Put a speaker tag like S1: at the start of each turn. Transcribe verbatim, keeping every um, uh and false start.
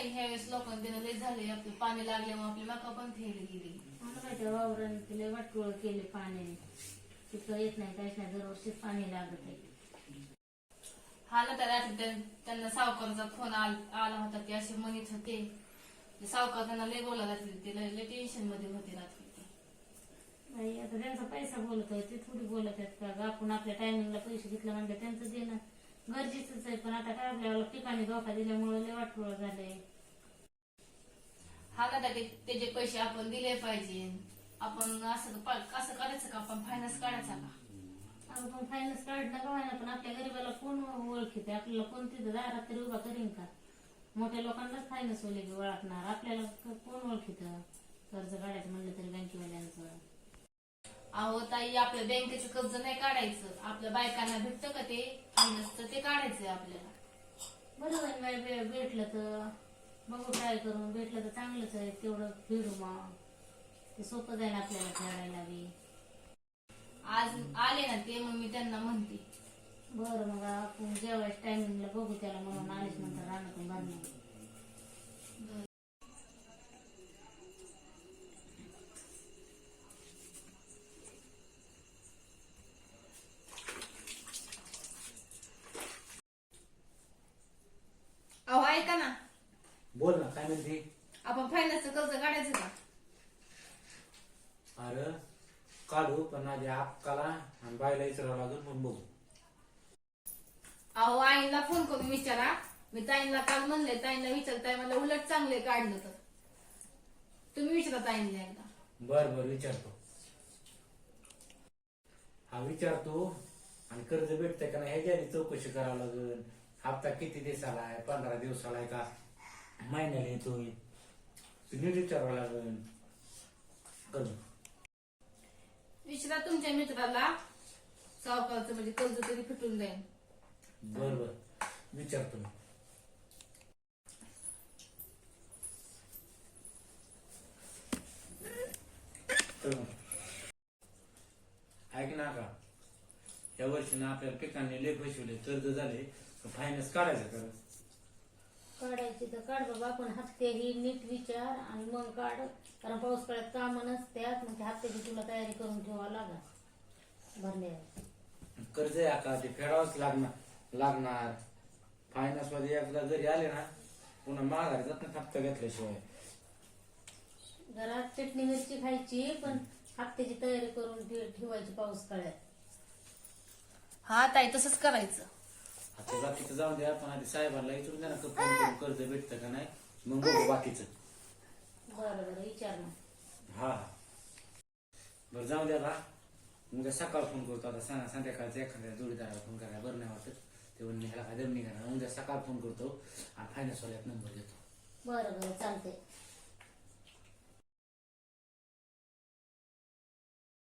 S1: ताई ह्यावेळेस लोकांना देणं लय झाले. आपले पाणी लागल्यामुळे आपली मका पण फेल गेली.
S2: मला माहिती वावराने तिला वाटोळ केले पाण्याने. तिथं येत नाही काहीच नाही, दरवर्षीच पाणी लागत आहे.
S1: हा ना त्या रात्री त्या- त्यांना सावकाराचा फोन आला होता. ते असे म्हणत होते ते सावकार त्यांना लय बोलत होते. ते लय लय टेन्शन मध्ये होते रात्री ते.
S2: नाही आता त्यांचा पैसा बोलत आहे, ते थोडी बोलत आहेत का ग? आपण आपल्या टायमिंगला पैसे घेतले म्हणजे त्यांचं देणं गरजेचंच आहे. पण आता काय आपल्याला ठिकाणी धोका दिल्यामुळे लय वाटोळ झालंय.
S1: हा ना त्या- त्याचे पैसे आपण दिले पाहिजे. आपण असं असं करायचं का? आपण फायनान्स काढायचा का?
S2: अगं पण फायनान्स काढणं का व्हायना, पण आपल्या गरीबाला कोण ओळखीत? आपल्याला कोण तिथं दारात तरी उभा करीन का? मोठ्या लोकांनाच फायनान्स वाले ओळखणार, आपल्याला कोण ओळखीत? कर्ज काढायचं म्हणलं तरी बँकेवाल्यांचं.
S1: अहो ताई, आपल्या बँकेचं कर्ज नाही काढायचं. आपल्या बायकांना भेटतं का ते फायनान्सचं, ते काढायचंय आपल्याला.
S2: बरोबर नाही भे- भेटलं तर बघू, ट्राय करून भेटलं तर चांगलंच आहे. तेवढं फिरू मग ते सोपं जाईल आपल्याला खेळायला बी.
S1: आज आले ना ते, मग मी त्यांना म्हणते.
S2: बरं मग आपण जेवायच्या टायमिंगला बघू त्याला, म्हणून आलेच नंतर रानातून भरणार.
S1: अहो ऐका ना,
S3: बोल ना, काय म्हणते?
S1: आपण फायनान्सचं कर्ज काढायचं का?
S3: अरे काढू, पण आधी अक्काला आणि बायला विचारावं लागेल, पण बघू.
S1: अहो आईला फोन करून विचारा. मी ताईंना काल म्हणले, ताईंना विचारताय मला उलट चांगले काढलं तर. तुम्ही विचारा ताईंना एकदा.
S3: बर बर विचारतो. हा विचारतो. आणि कर्ज भेटतंय का नाही ह्याची आधी चौकशी करावं लागेल. हप्ता किती दिवसाला आहे, पंधरा दिवसाला आहे का महिन्याला येतोय, ते नीट विचारावं लागेल. कर्ज
S1: विचारा तुमच्या मित्राला, सावकारचं म्हणजे कर्ज तरी फिटून जाईल.
S3: बर बर विचारतो मी. ऐक ना का, या वर्षी ना आपल्याला पिकांनी लय फसवले, कर्ज झाले, फायनान्स काढायचं कर.
S2: काढायची तर काढ बाबा, पण हप्ते ही नीट विचार आणि मग काढ. कारण पाऊस काळात कामं नसत्यात, मग त्या हप्त्याची तुला तयारी करून ठेवावं लागल भरण्यावर.
S3: कर्ज आहे का ते फेडावंच लागणार लागणार फायनान्स मध्ये एकदा जरी आले ना, पुन्हा माघारी जात ना हप्ता घेतल्याशिवाय.
S2: घरात चटणी मिरची खायची, पण हप्त्याची तयारी करून ठे- ठेवायची पाऊस काळात.
S1: हा ताई, तसंच करायचं.
S3: आता बाकीचं जाऊन द्या, पण आधी साहेबांना विचारून द्या ना, फोन करून कर्ज भेटतं का नाही, मग बघू बाकीचं.
S2: बरं बरं विचार मग.
S3: हा हा बरं जाऊ द्या बा. उद्या सकाळ फोन करतो. आता सांगा संध्याकाळचं एखाद्या जोडीदाराला फोन करायला बरं नाही वाटत. ते म्हणून ह्याला काय दम निघाला. उद्या सकाळ फोन करतो आणि फायनान्स वाल्यात नंबर देतो.
S2: बरं बरं चालतंय.